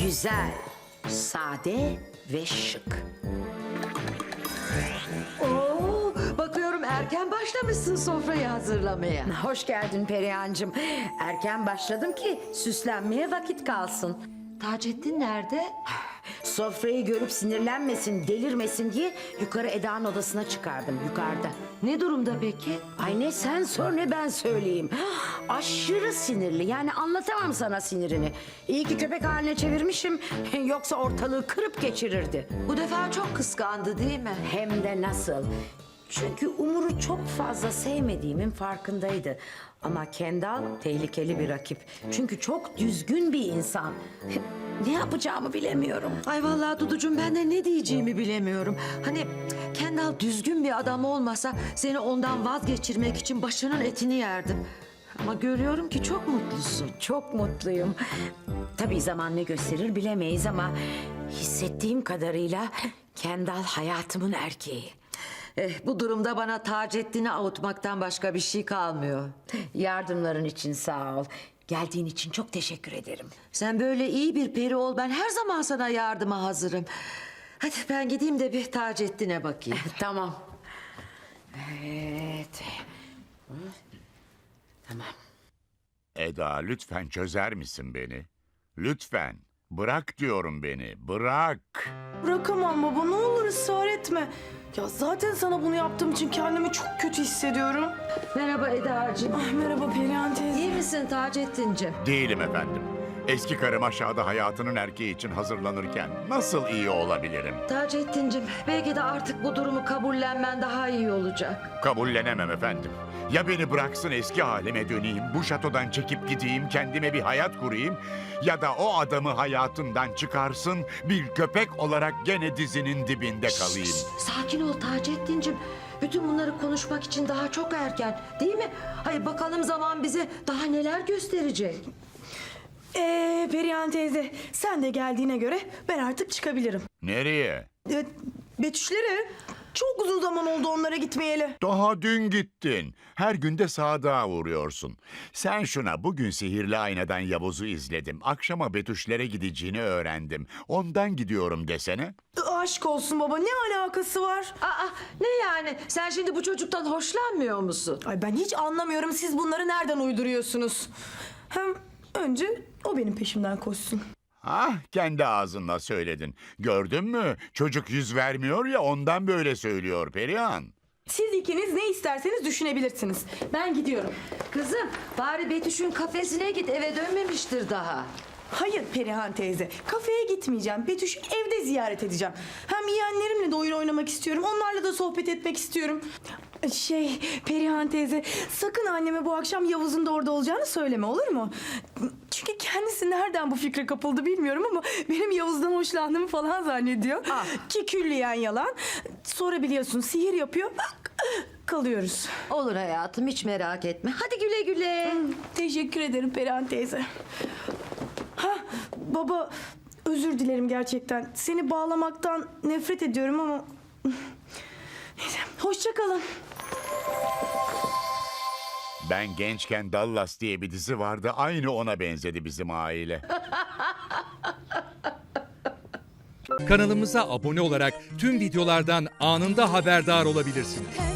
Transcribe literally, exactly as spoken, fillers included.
Güzel, sade ve şık. Oo, bakıyorum erken başlamışsın sofrayı hazırlamaya. Hoş geldin Perihan'cığım. Erken başladım ki süslenmeye vakit kalsın. Taceddin nerede? Sofrayı görüp sinirlenmesin, delirmesin diye yukarı Eda'nın odasına çıkardım, yukarıda. Ne durumda peki? Ay ne sen sor ne ben söyleyeyim. Aşırı sinirli, yani anlatamam sana sinirini. İyi ki köpek haline çevirmişim, yoksa ortalığı kırıp geçirirdi. Bu defa çok kıskandı değil mi? Hem de nasıl. Çünkü Umur'u çok fazla sevmediğimin farkındaydı. Ama Kendal tehlikeli bir rakip. Çünkü çok düzgün bir insan. Ne yapacağımı bilemiyorum. Ay vallahi Duducuğum, ben de ne diyeceğimi bilemiyorum. Hani Kendal düzgün bir adam olmasa seni ondan vazgeçirmek için başının etini yerdim. Ama görüyorum ki çok mutlusun. Çok mutluyum. Tabii zaman ne gösterir bilemeyiz ama hissettiğim kadarıyla Kendal hayatımın erkeği. Eh, bu durumda bana Taceddin'i avutmaktan başka bir şey kalmıyor. Yardımların için sağ ol. Geldiğin için çok teşekkür ederim. Sen böyle iyi bir peri ol, ben her zaman sana yardıma hazırım. Hadi ben gideyim de bir Taceddin'e bakayım. Tamam. Evet. Tamam. Eda, lütfen çözer misin beni? Lütfen. Bırak diyorum beni. Bırak. Bırakamam baba, ne olur ısrar etme. Ya zaten sana bunu yaptığım için kendimi çok kötü hissediyorum. Merhaba Eda'cığım. Ay merhaba Perihan teyze. İyi misin Taceddin'cim? Değilim efendim. Eski karım aşağıda hayatının erkeği için hazırlanırken nasıl iyi olabilirim? Taceddin'cim, belki de artık bu durumu kabullenmen daha iyi olacak. Kabullenemem efendim. Ya beni bıraksın eski halime döneyim, bu şatodan çekip gideyim, kendime bir hayat kurayım... ...ya da o adamı hayatından çıkarsın, bir köpek olarak gene dizinin dibinde kalayım. Şşş, sakin ol Taceddin'cim. Bütün bunları konuşmak için daha çok erken, değil mi? Hayır, bakalım zaman bize daha neler gösterecek. Ee Perihan teyze, sen de geldiğine göre ben artık çıkabilirim. Nereye? Ee, Betüşlere. Çok uzun zaman oldu onlara gitmeyeli. Daha dün gittin. Her günde sadığa uğruyorsun. Sen şuna, bugün sihirli aynadan Yavuz'u izledim. Akşama Betüşlere gideceğini öğrendim. Ondan gidiyorum desene. Aşk olsun baba, ne alakası var? Aa, ne yani? Sen şimdi bu çocuktan hoşlanmıyor musun? Ay ben hiç anlamıyorum, siz bunları nereden uyduruyorsunuz? Hem önce o benim peşimden koşsun. Ah, kendi ağzınla söyledin. Gördün mü? Çocuk yüz vermiyor ya, ondan böyle söylüyor Perihan. Siz ikiniz ne isterseniz düşünebilirsiniz. Ben gidiyorum. Kızım, bari Betüş'ün kafesine git, eve dönmemiştir daha. Hayır Perihan teyze, kafeye gitmeyeceğim. Betüş'ü evde ziyaret edeceğim. Hem yeğenlerimle de oyun oynamak istiyorum. Onlarla da sohbet etmek istiyorum. Şey Perihan teyze, sakın anneme bu akşam Yavuz'un da orada olacağını söyleme, olur mu? Çünkü kendisi nereden bu fikre kapıldı bilmiyorum ama benim Yavuz'dan hoşlandığımı falan zannediyor. Ah. Ki külliyen yalan. Sonra biliyorsun sihir yapıyor. Bak, kalıyoruz. Olur hayatım, hiç merak etme. Hadi güle güle. Teşekkür ederim Perihan teyze. Ha baba, özür dilerim gerçekten. Seni bağlamaktan nefret ediyorum ama... Neyse, hoşça kalın. Ben gençken Dallas diye bir dizi vardı. Aynı ona benzedi bizim aile. Kanalımıza abone olarak tüm videolardan anında haberdar olabilirsiniz.